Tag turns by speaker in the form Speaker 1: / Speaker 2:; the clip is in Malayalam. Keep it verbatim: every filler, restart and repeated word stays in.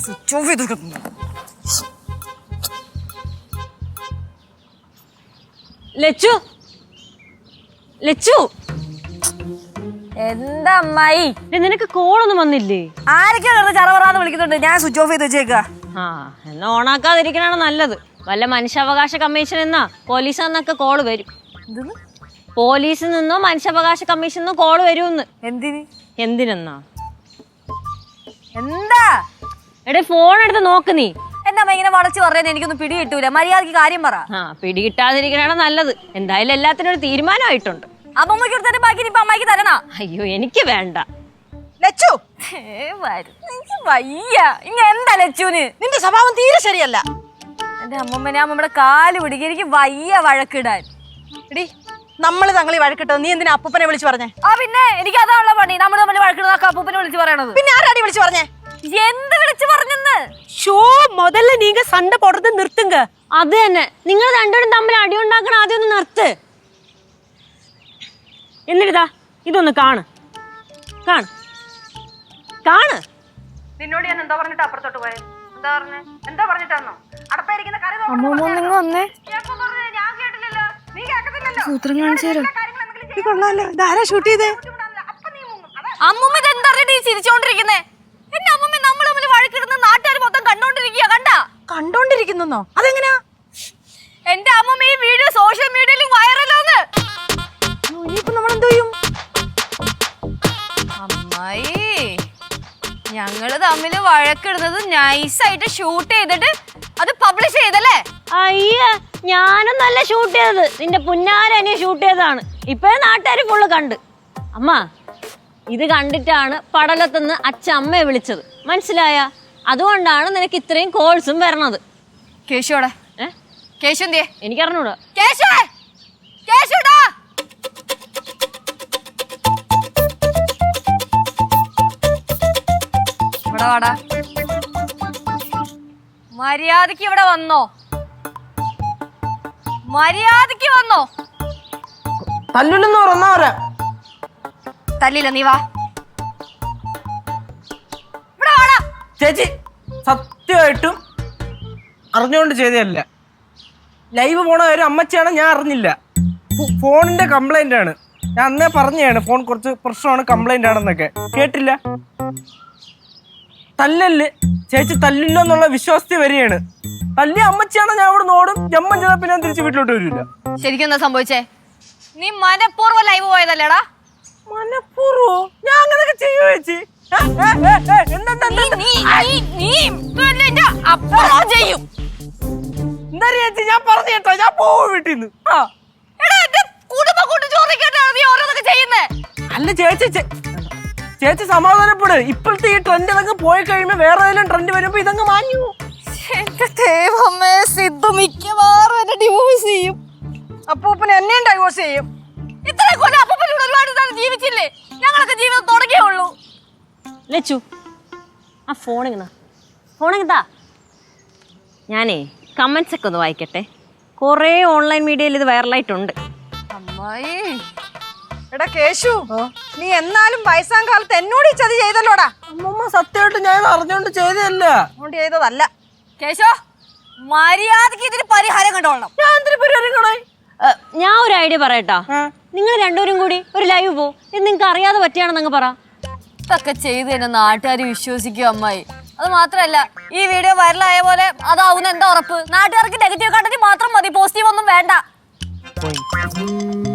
Speaker 1: സ്വിച്ച് ഓഫ് ചെയ്ത്
Speaker 2: ലച്ചു ലച്ചു
Speaker 1: എന്താ അമ്മായി
Speaker 2: നിനക്ക് കോളൊന്നും വന്നില്ലേ?
Speaker 1: ആരൊക്കെ ചറവറാന്ന് വിളിക്കുന്നുണ്ട്. ഞാൻ സ്വിച്ച് ഓഫ് ചെയ്ത് വെച്ചേക്ക.
Speaker 2: ആ എന്നാ ഓണാക്കാതിരിക്കണാണ് നല്ലത്. വല്ല മനുഷ്യാവകാശ കമ്മീഷൻ എന്നാ പോലീസ് എന്നൊക്കെ കോള് വരും. പോലീസിൽ നിന്നോ മനുഷ്യാവകാശ കമ്മീഷൻ നിന്നോ കോള് വരുമെന്ന്.
Speaker 1: എന്തിന്?
Speaker 2: എന്തിനെന്നാ?
Speaker 1: എന്താ
Speaker 2: എടേ ഫോൺ എടുത്ത് നോക്ക് നീ.
Speaker 1: എന്റെ അമ്മ ഇങ്ങനെ വളച്ച് പറയാൻ എനിക്കൊന്നും പിടി കിട്ടൂല. മര്യാദക്ക് കാര്യം പറ.
Speaker 2: ആ പിടി കിട്ടാതിരിക്കണാണ് നല്ലത്. എന്തായാലും എല്ലാത്തിനും ഒരു തീരുമാനമായിട്ടുണ്ട്.
Speaker 1: അമ്മമ്മക്ക് എടുത്തിട്ട് ബാക്കി ഇപ്പൊ അമ്മയ്ക്ക് തരണ.
Speaker 2: അയ്യോ എനിക്ക് വേണ്ട.
Speaker 1: ലച്ചു എനിക്ക് വയ്യ. ഇങ്ങ എന്താ ലച്ചുന്?
Speaker 3: നിന്റെ സ്വഭാവം തീരെ ശരിയല്ല.
Speaker 1: എന്റെ അമ്മമ്മനെ അമ്മമ്മയുടെ കാല് പിടിക്കുക. എനിക്ക് വയ്യ വഴക്കിടാൻ.
Speaker 3: എടി നമ്മള് തങ്ങളി വഴക്കിട്ടോ, നീ എന്തിനാ അപ്പൂപ്പനെ വിളിച്ചു പറഞ്ഞേ?
Speaker 1: ആ പിന്നെ എനിക്ക് അതാണല്ലോ പണി. നമ്മൾ തമ്മിൽ വഴക്കിടുന്ന അപ്പൂപ്പനെ വിളിച്ച് പറയണത്.
Speaker 3: പിന്നെ ആരാടി വിളിച്ചു പറഞ്ഞേ?
Speaker 1: എന്ത് വിളിച്ചു പറഞ്ഞെന്ന്?
Speaker 3: ഷോ മുതല്ല നീങ്ക സണ്ട പോടുന്നത് നിർത്തുങ്ക.
Speaker 2: അത് തന്നെ, നിങ്ങൾ രണ്ടുപേരും തമ്മിൽ അടി ഉണ്ടാക്കണം. ആദ്യം ഒന്ന് നിർത്ത്. എന്നിട്ടാ ഇതൊന്ന് കാണ് കാണ് കാണ്.
Speaker 3: നിന്നോട് ഞാൻ എന്താ പറഞ്ഞിട്ട് അപ്പുറത്തോട്ട് പോയെ? എന്താ പറഞ്ഞേ? എന്താ പറഞ്ഞിട്ടാന്നോ? അടപ്പായിരിക്കുന്ന കറി
Speaker 1: വന്നേ സൂത്രം കാണിച്ചു തരോ?
Speaker 3: കൊള്ളാലോ. ഇതാരാ ഷൂട്ട് ചെയ്തേ?
Speaker 1: അമ്മൂമ്മ എന്താ ചിരിച്ചോണ്ടിരിക്കുന്നേ? എന്റെ അമ്മൂമ്മ നമ്മൾ തമ്മിൽ വഴക്കിടുന്ന നാട്ടുകാർ മൊത്തം കണ്ടോണ്ടിരിക്കുക. കണ്ടാ?
Speaker 3: കണ്ടോണ്ടിരിക്കുന്നോ? അതെങ്ങനെയാ?
Speaker 1: എന്റെ അമ്മൂമ്മ ഈ വീഡിയോ സോഷ്യൽ മീഡിയയിൽ വൈറലാന്ന്.
Speaker 3: ഇനിയിപ്പോ നമ്മളെന്തോ ചെയ്യും?
Speaker 1: അമ്മായി ഞങ്ങള് തമ്മില് വഴക്കിടുന്നത് നൈസായിട്ട് ഷൂട്ട് ചെയ്തിട്ട് അത് പബ്ലിഷ് ചെയ്തല്ലേ?
Speaker 2: അയ്യ ഞാനും നല്ല ഷൂട്ട് ചെയ്തത്. നിന്റെ പുന്നാരനെ ഷൂട്ട് ചെയ്തതാണ്. ഇപ്പഴേ നാട്ടുകാര് ഫുള്ള് കണ്ട്. അമ്മ ഇത് കണ്ടിട്ടാണ് പടലത്തുനിന്ന് അച്ഛൻ അമ്മയെ വിളിച്ചത്. മനസ്സിലായ? അതുകൊണ്ടാണ് നിനക്ക് ഇത്രയും കോൾസും വരണത്.
Speaker 1: കേശുടെ കേശു എന്തിയെ?
Speaker 2: എനിക്കറിഞ്ഞൂടാ.
Speaker 1: കേശു കേശുടാ ഇവിടെ വാടാ. മര്യാദക്ക് ഇവിടെ വന്നോ? മര്യാദക്ക് വന്നോ?
Speaker 4: തല്ലില്ലെന്ന് പറഞ്ഞാ
Speaker 1: തല്ലില്ല. നീ വാ ഇവിടെ വാടാ.
Speaker 4: ചേച്ചി സത്യമായിട്ടും അറിഞ്ഞുകൊണ്ട് ചെയ്തതല്ല. ലൈവ് പോണ കാര്യം അമ്മച്ചിയാണ്, ഞാൻ അറിഞ്ഞില്ല. ഫോണിന്റെ കംപ്ലൈന്റ് ആണ്. ഞാൻ അന്നേ പറഞ്ഞാണ് ഫോൺ കുറച്ച് പ്രശ്നമാണ്, കംപ്ലൈന്റ് ആണെന്നൊക്കെ. കേട്ടില്ല. തല്ലല് ചേച്ചി തല്ലില്ല എന്നുള്ള വിശ്വാസത്തിൽ വരികയാണ്. തല്ലി അമ്മച്ചിയാണ്, ഞാൻ അവിടെ നോടും. ജമ്മം ചെയ്താൽ പിന്നെ തിരിച്ച് വീട്ടിലോട്ട് വരില്ല.
Speaker 1: ശരിക്കും എന്താ സംഭവിച്ചേ? നീ മനഃപൂർവ്വം ലൈവ് പോയതല്ലേടാ?
Speaker 4: മനഃപൂർവ്വോ? ഞാൻ അങ്ങനെയൊക്കെ ചെയ്യോ ചേച്ചി? എന്താ ചേച്ചി? ഞാൻ പറഞ്ഞു കേട്ടോ, ഞാൻ പോവും വീട്ടിൽ നിന്ന്. അല്ല ചേച്ചി, ചേച്ചി സമാധാനപ്പെട്. ഇപ്പോഴത്തെ ഈ ട്രെൻഡ് ഇതങ്ങ് പോയി കഴിയുമ്പോ വേറെ ഏതെങ്കിലും ട്രെൻഡ് വരുമ്പോ ഇതങ്ങ് മാഞ്ഞു.
Speaker 1: മിക്കവാറും എന്നെ ഡിവോഴ്സ് ചെയ്യും.
Speaker 3: അപ്പൂപ്പന് എന്നെയും ഡൈവോഴ്സ് ചെയ്യും.
Speaker 1: ഇത്ര കൊല്ലം അപ്പൂപ്പനോട് ഒരുപാട് നാൾ ജീവിച്ചില്ലേ? ഞങ്ങളൊക്കെ ജീവിതം തുടങ്ങിയേ ഉള്ളൂ.
Speaker 2: ലച്ചു ആ ഫോണിങ്ങ ഫോണിങ്ങതാ. ഞാനേ കമന്റ്സ് ഒക്കെ ഒന്ന് വായിക്കട്ടെ. കുറേ ഓൺലൈൻ മീഡിയയിൽ ഇത് വൈറലായിട്ടുണ്ട്.
Speaker 1: അമ്മായി
Speaker 3: എടാ കേശു, നീ എന്നാലും വയസ്സാം കാലത്ത് എന്നോട് ഈ ചതി ചെയ്തല്ലോടാ.
Speaker 4: അമ്മമ്മ സത്യമായിട്ട് ഞാൻ അറിഞ്ഞോണ്ട് ചെയ്തതല്ല.
Speaker 3: അതുകൊണ്ട് ചെയ്തതല്ല.
Speaker 1: കേശോ മര്യാദക്ക് ഇതിന് പരിഹാരം കണ്ടോളണം.
Speaker 4: ഞാൻ എന്തിനു പരിഹാരം കാണാൻ?
Speaker 2: ഞാൻ ഒരു ഐഡിയ പറയട്ടാ. നിങ്ങൾ രണ്ടുപേരും കൂടി ഒരു ലൈവ് പോ. ഇത് നിങ്ങൾക്ക് അറിയാതെ പറ്റിയാണെന്നങ്ങ് പറ.
Speaker 1: ഇതൊക്കെ ചെയ്ത് തന്നെ നാട്ടുകാർ വിശ്വസിക്കും അമ്മായി. അത് മാത്രല്ല ഈ വീഡിയോ വൈറലായ പോലെ അതാവുന്ന എന്താ ഉറപ്പ്? നാട്ടുകാർക്ക് നെഗറ്റീവ് കണ്ടന്റ് മാത്രം മതി, പോസിറ്റീവ് ഒന്നും വേണ്ട.